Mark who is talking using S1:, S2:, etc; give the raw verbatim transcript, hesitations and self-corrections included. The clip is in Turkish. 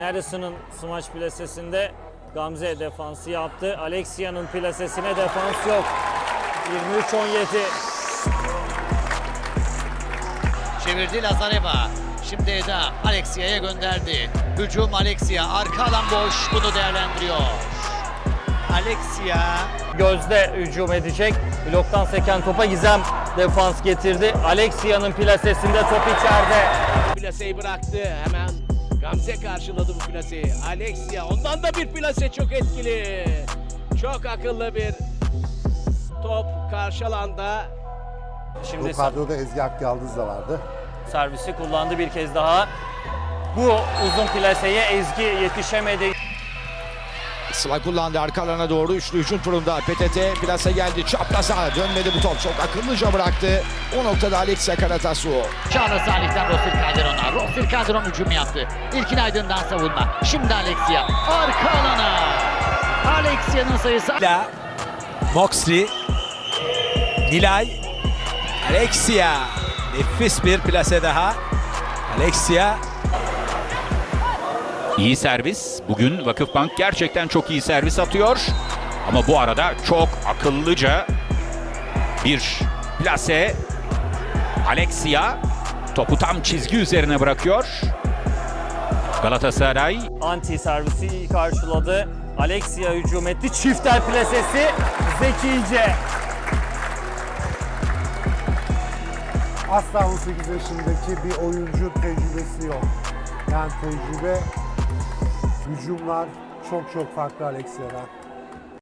S1: Harrison'ın smaç plasesinde Gamze defansı yaptı. Alexia'nın plasesine defans yok. yirmi üç on yedi.
S2: Çevirdi Lazareva. Şimdi Eda Alexia'ya gönderdi. Hücum Alexia. Arka alan boş. Bunu değerlendiriyor. Alexia.
S1: Gözde hücum edecek. Bloktan seken topa Gizem defans getirdi. Alexia'nın plasesinde top içeride.
S3: Plaseyi bıraktı. Hemen Gamze karşıladı bu plaseyi. Alexia. Ondan da bir plase çok etkili. Çok akıllı bir top karşı alanda.
S1: Şimdi
S4: Bu kadroda Ezgi Akyaldız da vardı.
S1: servisi kullandı bir kez daha. Bu uzun plaseye Ezgi yetişemedi.
S5: Sıla kullandı arka alana doğru. Üçlü hücum turunda P T T plase geldi. Çapraza dönmedi bu top. Çok akıllıca bıraktı. O noktada Alexia Karatasu.
S2: Çağrı Salih'ten Rosir Calderon'a. Rosir Calderon hücum yaptı. İlkin Aydın'dan savunma. Şimdi Alexia. Arka alana. Alexia'nın sayısı.
S6: Moxley, Nilay, Alexia. Nefis bir plase daha. Alexia.
S7: İyi servis. Bugün Vakıfbank gerçekten çok iyi servis atıyor. Ama bu arada çok akıllıca bir plase. Alexia topu tam çizgi üzerine bırakıyor. Galatasaray
S1: Anti servisi iyi karşıladı. Alexia hücum etti. Çiftel plasesi zekice.
S4: Asla on sekiz yaşındaki bir oyuncu tecrübesi yok. Yani tecrübe, hücumlar çok çok farklı Alexia'dan.